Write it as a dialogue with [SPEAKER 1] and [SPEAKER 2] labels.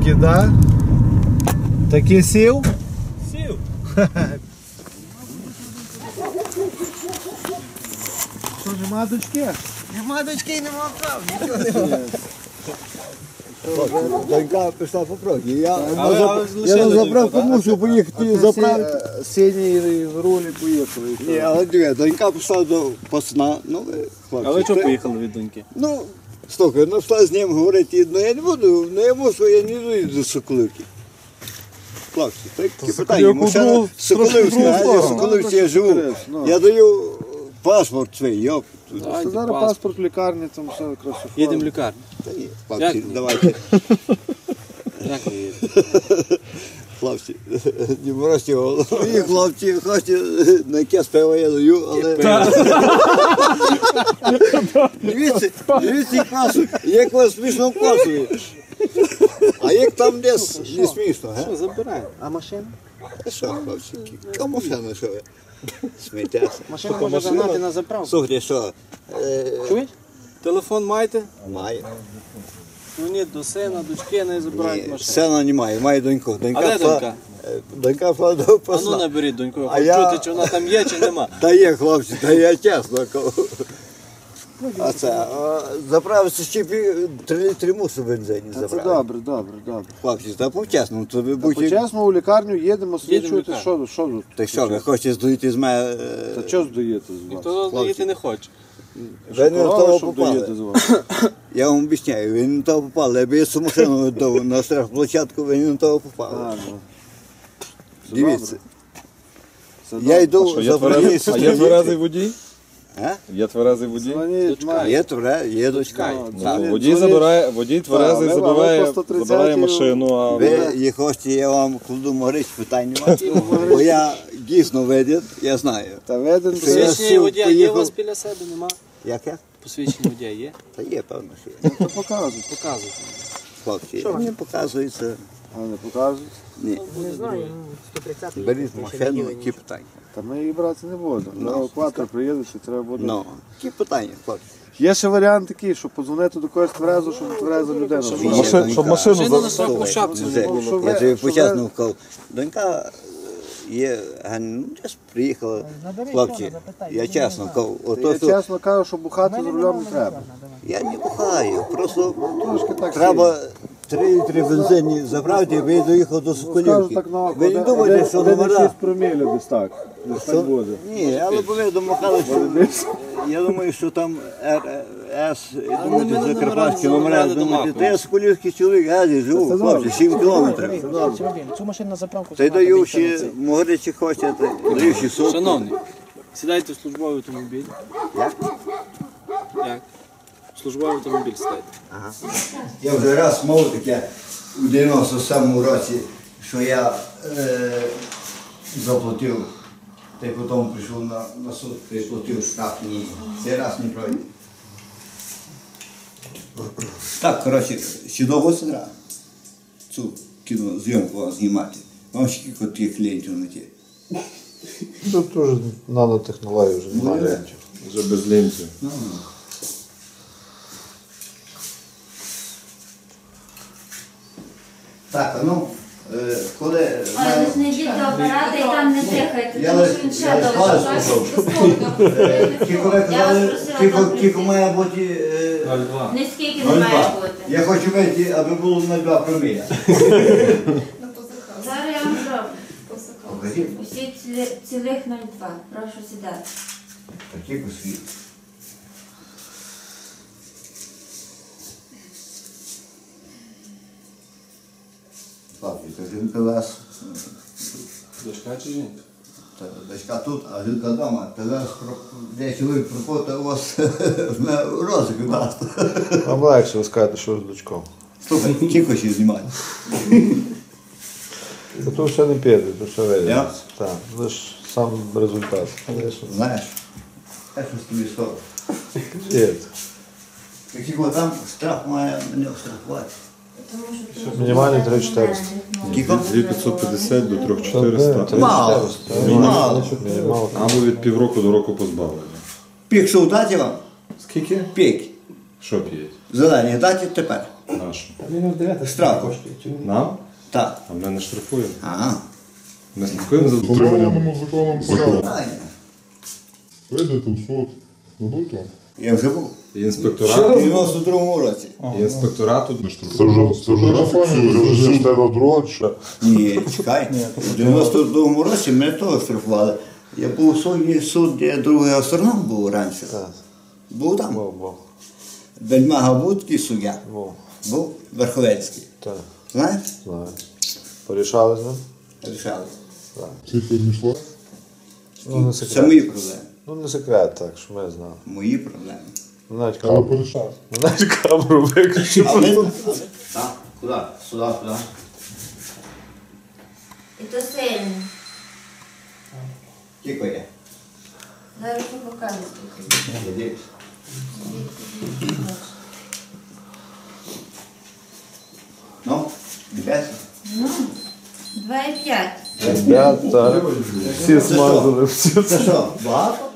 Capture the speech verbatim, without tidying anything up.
[SPEAKER 1] Такі, да? Такі сів?
[SPEAKER 2] Сів.
[SPEAKER 1] Що, нема дочки?
[SPEAKER 2] Нема дочки і нема прав, нічого немає.
[SPEAKER 3] Донька пішла по прогі. Я
[SPEAKER 2] Але-
[SPEAKER 3] на
[SPEAKER 2] але
[SPEAKER 3] зап-
[SPEAKER 2] лише
[SPEAKER 3] я на
[SPEAKER 2] доньку,
[SPEAKER 3] заправку
[SPEAKER 2] так?
[SPEAKER 3] мусив поїхати заправити.
[SPEAKER 1] Синій з рулі поїхали.
[SPEAKER 3] Ні, але диви, донька пішла до пасна. Ну, е, хлопці.
[SPEAKER 2] Але чого
[SPEAKER 3] то-
[SPEAKER 2] поїхали від доньки?
[SPEAKER 3] Ну, слухай, ну пішла з ним говорити, ну я не буду, ну я мушу, я не йду до Соколивки. Хлопці, такі питання.
[SPEAKER 1] Соколівку
[SPEAKER 3] Машина
[SPEAKER 1] другу-
[SPEAKER 3] Соколивська,
[SPEAKER 1] трошки другу
[SPEAKER 3] а я в
[SPEAKER 1] сторону.
[SPEAKER 3] Соколивці я живу.
[SPEAKER 1] Ну.
[SPEAKER 3] Я даю паспорт свій, йоп.
[SPEAKER 1] Це зараз паспорт в лікарні, там все якраз.
[SPEAKER 2] Їдемо в лікарню.
[SPEAKER 3] Та ні,
[SPEAKER 2] Як
[SPEAKER 3] хлопці,
[SPEAKER 2] ні?
[SPEAKER 3] давайте.
[SPEAKER 2] Як ви їдете?
[SPEAKER 3] Хлопці, не морозьте голову. І хлопці, хочете на якесь пиво я даю, але... Дивіться, дивіться, як вас, як вас смішно вказує. А як там десь не смішно, га?
[SPEAKER 2] Що, забираємо. А машина?
[SPEAKER 3] Та що, хлопці, кому машина, що ви? Сміттяся.
[SPEAKER 2] Машина може загнати на заправку.
[SPEAKER 3] Слухайте, що? Е,
[SPEAKER 2] Чуєш? Телефон маєте?
[SPEAKER 3] Має.
[SPEAKER 2] Дзвоніть до сина, дочки, не забирають
[SPEAKER 3] Ні,
[SPEAKER 2] машину.
[SPEAKER 3] сина немає, має доньку. Донька
[SPEAKER 2] А де
[SPEAKER 3] пішла-
[SPEAKER 2] донька?
[SPEAKER 3] е, Донька впала до
[SPEAKER 2] А ну
[SPEAKER 3] посла.
[SPEAKER 2] наберіть доньку, я
[SPEAKER 3] А
[SPEAKER 2] хочу
[SPEAKER 3] я-
[SPEAKER 2] чути, чи вона там є, чи нема.
[SPEAKER 3] Та є, хлопці, та я чесно кажу. А це, а, заправився ще пів, три літри мусу бензині
[SPEAKER 1] Це
[SPEAKER 3] заправити.
[SPEAKER 1] добре, добре, добре.
[SPEAKER 3] Хлопці, та по-чесному, то ви
[SPEAKER 1] Та
[SPEAKER 3] будьте...
[SPEAKER 1] Почесно у лікарню їдемо,
[SPEAKER 2] в
[SPEAKER 1] свідчуєте,
[SPEAKER 2] лікарню.
[SPEAKER 1] що, що тут?
[SPEAKER 3] Та що, ви хочете здоїти з мене...
[SPEAKER 1] Та
[SPEAKER 3] е,
[SPEAKER 1] що здаєте з вас?
[SPEAKER 2] Ніхто заїти не хоче.
[SPEAKER 3] Ви не на
[SPEAKER 1] Корова,
[SPEAKER 3] того
[SPEAKER 1] що вдаєте з
[SPEAKER 3] попали.
[SPEAKER 1] вас?
[SPEAKER 3] Я вам обіцяю, ви не на того попали. Якби я цю машину віддав на штрафплощадку, ви не на того
[SPEAKER 1] А,
[SPEAKER 3] попали.
[SPEAKER 1] ну. Це
[SPEAKER 3] Дивіться,
[SPEAKER 1] Це
[SPEAKER 3] я
[SPEAKER 1] добре.
[SPEAKER 3] йду
[SPEAKER 4] Що,
[SPEAKER 3] за
[SPEAKER 4] є тверезий, а є
[SPEAKER 3] проїзд.
[SPEAKER 4] тверезий водій?
[SPEAKER 3] А?
[SPEAKER 4] Є тверезий водій?
[SPEAKER 1] Дзвоніть,
[SPEAKER 2] Дочка.
[SPEAKER 1] мать.
[SPEAKER 3] Є твере, є дочка.
[SPEAKER 1] Ну,
[SPEAKER 4] Ну,
[SPEAKER 1] дзвоніть,
[SPEAKER 4] то водій
[SPEAKER 1] дзвоніть.
[SPEAKER 4] забирає, водій тверезий
[SPEAKER 1] ви-
[SPEAKER 4] забирає,
[SPEAKER 1] ви по сто тридцять
[SPEAKER 4] забирає машину, а
[SPEAKER 3] Ви їх хочете, я вам кладу морич, питань немає. Бо я дійсно видів, я знаю.
[SPEAKER 1] Та виден
[SPEAKER 3] Я
[SPEAKER 2] Посвідчення
[SPEAKER 3] сів,
[SPEAKER 2] водія є
[SPEAKER 3] поїхав.
[SPEAKER 2] у вас біля себе, нема?
[SPEAKER 3] Як я?
[SPEAKER 2] Посвідчення водія є?
[SPEAKER 3] Та є, певно, що є.
[SPEAKER 1] то показують.
[SPEAKER 2] Показуйте.
[SPEAKER 3] Хлопці, не показується.
[SPEAKER 1] А не показують.
[SPEAKER 3] Ні.
[SPEAKER 5] Не знаю, сто тридцять.
[SPEAKER 3] Беріть машину, які питання.
[SPEAKER 1] Та ми її брати не будемо. На евакуатор приїдуть і треба буде.
[SPEAKER 3] Ну, які питання, хлопці.
[SPEAKER 1] Є ще варіант такий, щоб подзвонити до когось тверезу, щоб твереза людина.
[SPEAKER 4] Щоб
[SPEAKER 1] була.
[SPEAKER 4] машин-
[SPEAKER 3] Донька.
[SPEAKER 4] щоб машину
[SPEAKER 2] Машину
[SPEAKER 4] за-
[SPEAKER 2] на штрафну
[SPEAKER 3] Слухай,
[SPEAKER 2] шапці
[SPEAKER 3] Музе,
[SPEAKER 2] не було.
[SPEAKER 1] Що ви-
[SPEAKER 3] Я тобі
[SPEAKER 1] що
[SPEAKER 3] почесно
[SPEAKER 1] ви-
[SPEAKER 3] вказав. Донька е, є, га- ну, десь приїхала. Хлопці, я чесно кажу,
[SPEAKER 1] Я
[SPEAKER 3] ото, що
[SPEAKER 1] чесно кажу, що бухати за рулем не треба.
[SPEAKER 3] я не бухаю, просто
[SPEAKER 1] Трошки так
[SPEAKER 3] треба три літри бензині забрати, і ви доїхав до
[SPEAKER 1] Скажу
[SPEAKER 3] Соколівки.
[SPEAKER 1] так на око.
[SPEAKER 3] Ви не думаєте, що номера?
[SPEAKER 1] шість промілів десь так. Десь
[SPEAKER 3] Що?
[SPEAKER 1] так буде.
[SPEAKER 3] Ні, але ви домахали, що я думаю, що там Р С, думаєте,
[SPEAKER 2] мене
[SPEAKER 3] закарпатські
[SPEAKER 2] номера
[SPEAKER 3] номера,
[SPEAKER 2] не
[SPEAKER 3] думаєте,
[SPEAKER 2] домахують.
[SPEAKER 3] та я соколівський чоловік, газі живу, хлопці, сім кілометрів.
[SPEAKER 5] Цю машину на заправку.
[SPEAKER 3] Та й даю ще, могли чи хочете, даю ще сотку.
[SPEAKER 2] Шановний, сідайте в службовий автомобіль.
[SPEAKER 3] Як?
[SPEAKER 2] Як? В службовий автомобіль сідайте.
[SPEAKER 3] Я вже раз мов таке у дев'яносто сьомому році, що я е, заплатив, та й потім прийшов на, на суд, та й платив штраф. Ні, цей раз не пройде. Так, коротше, ще довго сидра цю кінозйомку вам знімати. Вам ще кілька таких клієнтів знайти.
[SPEAKER 1] Тут теж нанотехнології вже
[SPEAKER 3] немає.
[SPEAKER 4] вже без лінців.
[SPEAKER 3] Так, а ну, е, коли...
[SPEAKER 6] Але ви ж не йдіть до апарата і там не дихайте,
[SPEAKER 3] Я
[SPEAKER 6] тому
[SPEAKER 3] лише-
[SPEAKER 6] що він ще
[SPEAKER 3] я лише
[SPEAKER 6] довше.
[SPEAKER 3] палець Тільки ви казали, тільки- тільки має бути... е,
[SPEAKER 6] Не скільки не
[SPEAKER 3] ноль
[SPEAKER 6] має
[SPEAKER 3] два.
[SPEAKER 6] бути.
[SPEAKER 3] Я хочу вийти, аби було ноль два проміля.
[SPEAKER 6] Зараз я вам зроблю.
[SPEAKER 3] Покажіть.
[SPEAKER 6] Усі цілі- цілих нуль два. Прошу сідати.
[SPEAKER 3] Такі куски. Папі, то жінка вас,
[SPEAKER 2] Дочка чи жінка?
[SPEAKER 3] та дочка тут, а жінка вдома. Та вас, про- де чоловік пропотав, у вас на розик дасть.
[SPEAKER 1] Вам легше, ви скажете, що з дочком.
[SPEAKER 3] Слухай, тільки ще знімати.
[SPEAKER 1] Та тут ще не піде, тут ще вийде.
[SPEAKER 3] Я?
[SPEAKER 1] Так, лише сам результат.
[SPEAKER 3] Знаєш, я щось тобі скажу.
[SPEAKER 1] Є.
[SPEAKER 3] Якщо там штраф має мене штрафувати.
[SPEAKER 1] Мінімальний три чотириста.
[SPEAKER 3] Скільки?
[SPEAKER 4] дві п'ятсот п'ятдесят до три чотириста.
[SPEAKER 3] Мало. Мало.
[SPEAKER 1] Мало.
[SPEAKER 4] Або від півроку до року позбавлення.
[SPEAKER 3] Пік що дати вам?
[SPEAKER 1] Скільки?
[SPEAKER 3] Пік.
[SPEAKER 4] Що п'ють?
[SPEAKER 3] Зелені дати тепер.
[SPEAKER 4] Нашу.
[SPEAKER 3] Штраф коштує.
[SPEAKER 4] Нам?
[SPEAKER 3] Так.
[SPEAKER 4] А ми не штрафуємо.
[SPEAKER 3] Ага.
[SPEAKER 4] Ми слідкуємо за
[SPEAKER 7] Встановленому законом порядку.
[SPEAKER 3] Правильно.
[SPEAKER 7] Вийдете в суд. Дадуть вам.
[SPEAKER 3] Я вже був.
[SPEAKER 4] І
[SPEAKER 3] В
[SPEAKER 4] інспекторату.
[SPEAKER 3] дев'яносто другому році.
[SPEAKER 4] І інспекторату.
[SPEAKER 7] Це вже це вже зафіксує, це вже йде до другого чи?
[SPEAKER 3] Ні, чекай. У дев'яносто другому році мене теж штрафували. Я був у суді, суд, де другий астроном був раніше. Був там.
[SPEAKER 1] Бо, бо,
[SPEAKER 3] Бельмага був такий суддя.
[SPEAKER 1] бо.
[SPEAKER 3] Був Верховецький.
[SPEAKER 1] Так,
[SPEAKER 3] Знаєш?
[SPEAKER 1] знаю. Порішали з ним?
[SPEAKER 3] Рішали.
[SPEAKER 7] Цифри не йшло.
[SPEAKER 1] Ну, не
[SPEAKER 3] Це
[SPEAKER 1] секрет.
[SPEAKER 3] мої проблеми.
[SPEAKER 1] Ну, не секрет, так, що ми знали.
[SPEAKER 3] Мої проблеми.
[SPEAKER 1] Ну, навіть
[SPEAKER 7] Але
[SPEAKER 1] камеру,
[SPEAKER 7] порішав.
[SPEAKER 1] ну, навіть камеру виключив.
[SPEAKER 3] Але, але, так, куди? Сюди, сюди.
[SPEAKER 6] І то сильно.
[SPEAKER 3] Тільки є.
[SPEAKER 6] Зараз покажу.
[SPEAKER 3] Іди. Ну, йдеш?
[SPEAKER 6] Ну, два і п'ять.
[SPEAKER 1] Ребята, всі смазали, всі.
[SPEAKER 3] Це що, багато?